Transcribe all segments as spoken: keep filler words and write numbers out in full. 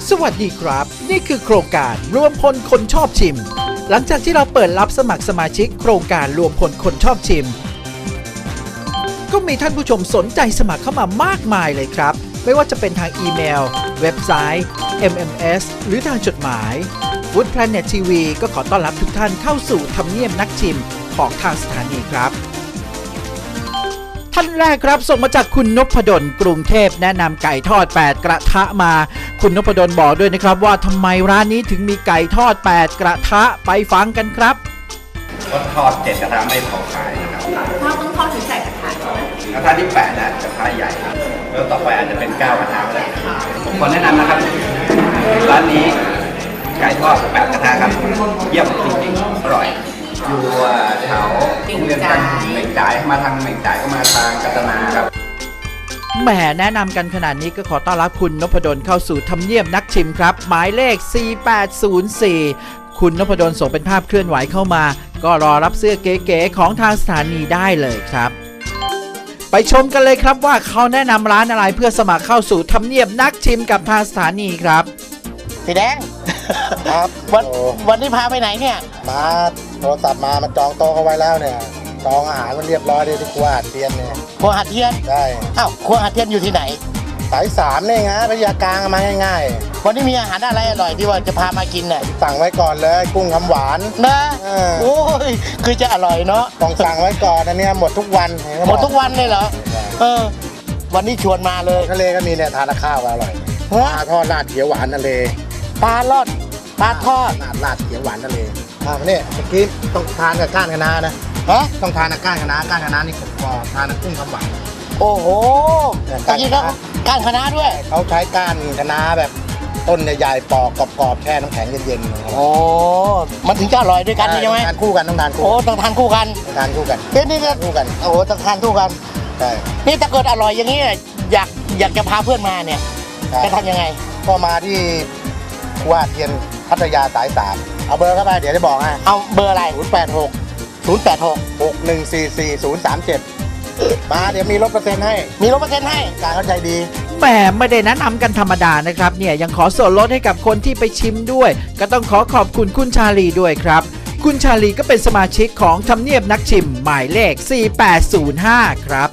สวัสดีครับนี่คือโครงการรวมพลคนชอบชิมหลังจากที่เราเปิดรับสมัครสมาชิกโครงการรวมพลคนชอบชิมก็มีท่านผู้ชมสนใจสมัครเข้ามามากมายเลยครับไม่ว่าจะเป็นทางอีเมลเว็บไซต์ เอ็ม เอ็ม เอส หรือทางจดหมาย Food Planet ที วี ก็ขอต้อนรับทุกท่านเข้าสู่ทำเนียบนักชิมของทางสถานีครับท่านแรกครับส่งมาจากคุณนพดลกรุงเทพแนะนำไก่ทอดแปดกระทะมาคุณนพดลบอกด้วยนะครับว่าทำไมร้านนี้ถึงมีไก่ทอดแปดกระทะไปฟังกันครับก็ทอดเจ็ดกระทะไม่พอขายนะครับทอดต้องทอดถึงใส่กระทะกระทะที่แปดนะกระทะใหญ่ครับแล้วต่อไปอาจจะเป็นเก้ากระทะก็ได้ผมขอแนะนำนะครับร้านนี้ไก่ทอดแปดกระทะครับเยี่ยมจริงๆอร่อยอยู่แถวโรงเรียนกันเหม่งจ่ายมาทางเหม่งจ่ายก็มาทางกัตนาครับแหมแนะนำกันขนาดนี้ก็ขอต้อนรับคุณนพดลเข้าสู่ทำเนียบนักชิมครับหมายเลขสี่แปดศูนย์สี่คุณนพดลส่งเป็นภาพเคลื่อนไหวเข้ามาก็รอรับเสื้อเก๋ๆของทางสถานีได้เลยครับไปชมกันเลยครับว่าเขาแนะนำร้านอะไรเพื่อสมัครเข้าสู่ทำเนียบนักชิมกับทางสถานีครับพี่แดงครับวันวันนี้พาไปไหนเนี่ยมาโทรศัพท์มามันจองโต๊ะเขาไว้แล้วเนี่ยจองอาหารมันเรียบร้อยเลยที่ครัวหัดเทียนเนี่ยครัวหัดเทียนใช่อ้าวครัวหัดเทียนอยู่ที่ไหนสายสามเนี่ยไงพยากลางมาง่ายๆวันนี้มีอาหารอะไรอร่อยที่ว่าจะพามากินเนี่ยสั่งไว้ก่อนเลยกุ้งคำหวานนะโอ้ยคือจะอร่อยเนาะต้องสั่งไว้ก่อนอันนี้หมดทุกวันหมดทุกวันเลยเหรอเออวันนี้ชวนมาเลยทะเลก็มีเนี่ยทานข้าวอร่อยปลาทอดราดเขียวหวานทะเลปลาลอดปลาทอดราดราดเขียวหวานทะเลอ่าเนี่ยเมื่อกี้ต้องทานกับก้านคะน้านะฮะต้องทานกับก้านคะน้าก้านคะน้านี่กรอบทานกับกุ้งคำหวานโอ้โหตะกี้เขาก้านคะน้าด้วยเขาใช้ก้านคะน้าแบบต้นใหญ่ๆปอกกรอบๆแช่น้ำแข็งเย็นๆโอ้มันถึงจะอร่อยด้วยกันใช่ไหมทานคู่กันต้องทานคู่โอ้ต้องทานคู่กันทานคู่กันเดี๋ยวนี้ก็คู่กันโอ้ต้องทานคู่กันใช่นี่ถ้าเกิดอร่อยอย่างนี้อยากอยากจะพาเพื่อนมาเนี่ยจะทำยังไงก็มาที่ครัวเทียนพัทยาสายสามเอาเบอร์เข้าไปเดี๋ยวจะบอกให้เอาเบอร์อะไรศูนย์แปดหกศูนย์แปดหกหกหนึ่งสี่สี่ ศูนย์สามเจ็ดมาเดี๋ยวมีลดเปอร์เซ็นต์ให้มีลดเปอร์เซ็นต์ให้การเข้าใจดีแหมไม่ได้แนะนำกันธรรมดานะครับเนี่ยยังขอส่วนลดให้กับคนที่ไปชิมด้วยก็ต้องขอขอบคุณคุณชาลีด้วยครับคุณชาลีก็เป็นสมาชิกของทำเนียบนักชิมหมายเลขสี่แปดศูนย์ห้าครับ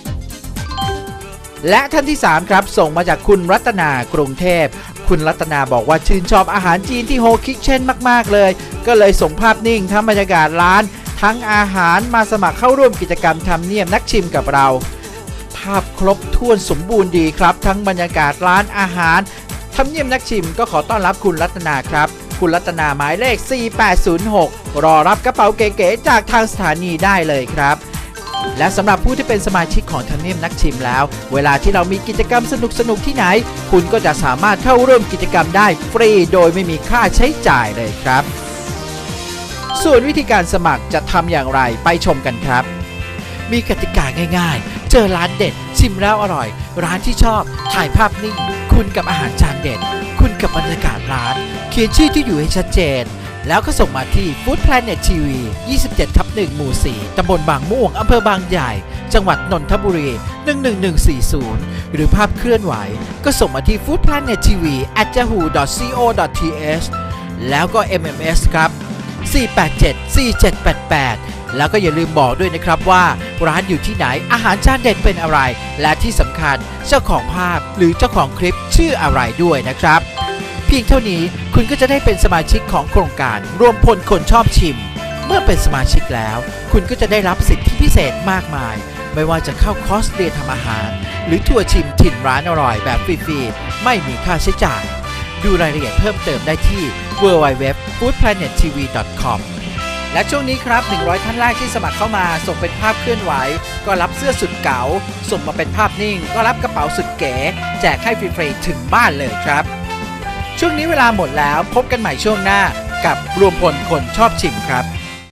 และท่านที่สามครับส่งมาจากคุณรัตนากรุงเทพคุณรัตนาบอกว่าชื่นชอบอาหารจีนที่โฮคิเช่นมากๆเลยก็เลยส่งภาพนิ่งทั้งบรรยากาศร้านทั้งอาหารมาสมัครเข้าร่วมกิจกรรมทำเนียบนักชิมกับเราภาพครบถ้วนสมบูรณ์ดีครับทั้งบรรยากาศร้านอาหารทำเนียบนักชิมก็ขอต้อนรับคุณรัตนาครับคุณรัตนาหมายเลขสี่แปดศูนย์หกรอรับกระเป๋าเก๋ๆจากทางสถานีได้เลยครับและสำหรับผู้ที่เป็นสมาชิกของทำเนียบนักชิมแล้วเวลาที่เรามีกิจกรรมสนุกๆที่ไหนคุณก็จะสามารถเข้าร่วมกิจกรรมได้ฟรีโดยไม่มีค่าใช้จ่ายเลยครับส่วนวิธีการสมัครจะทำอย่างไรไปชมกันครับมีกติกาง่ายๆเจอร้านเด็ดชิมแล้วอร่อยร้านที่ชอบถ่ายภาพนิ่งคุณกับอาหารจานเด็ดคุณกับบรรยากาศร้านเขียนชื่อที่อยู่ให้ชัดเจนแล้วก็ส่งมาที่ Food Planet ที วี ยี่สิบเจ็ดทับหนึ่ง หมู่ สี่ ตำบลบางม่วงอำเภอบางใหญ่จังหวัดนนทบุรี หนึ่งหนึ่งหนึ่งสี่ศูนย์ หรือภาพเคลื่อนไหวก็ส่งมาที่ food planet t v at yahoo dot co dot th แล้วก็ เอ็ม เอ็ม เอส ครับ สี่แปดเจ็ด สี่เจ็ดแปดแปด แล้วก็อย่าลืมบอกด้วยนะครับว่าร้านอยู่ที่ไหนอาหารจานเด็ดเป็นอะไรและที่สำคัญเจ้าของภาพหรือเจ้าของคลิปชื่ออะไรด้วยนะครับเพียงเท่านี้คุณก็จะได้เป็นสมาชิกของโครงการรวมพลคนชอบชิมเมื่อเป็นสมาชิกแล้วคุณก็จะได้รับสิทธิพิเศษมากมายไม่ว่าจะเข้าคอร์สเรียนทำอาหารหรือทัวร์ชิมถิ่นร้านอร่อยแบบฟรีๆไม่มีค่าใช้จ่ายดูรายละเอียดเพิ่มเติมได้ที่ ดับเบิลยู ดับเบิลยู ดับเบิลยู ดอท ฟู้ดแพลเน็ตทีวี ดอท คอม และช่วงนี้ครับหนึ่งร้อยท่านแรกที่สมัครเข้ามาส่งเป็นภาพเคลื่อนไหวก็รับเสื้อสุดเก๋าส่งมาเป็นภาพนิ่งก็รับกระเป๋าสุดเก๋แจกให้ฟรีๆถึงบ้านเลยครับช่วงนี้เวลาหมดแล้วพบกันใหม่ช่วงหน้ากับรวมพลคนชอบชิมครับ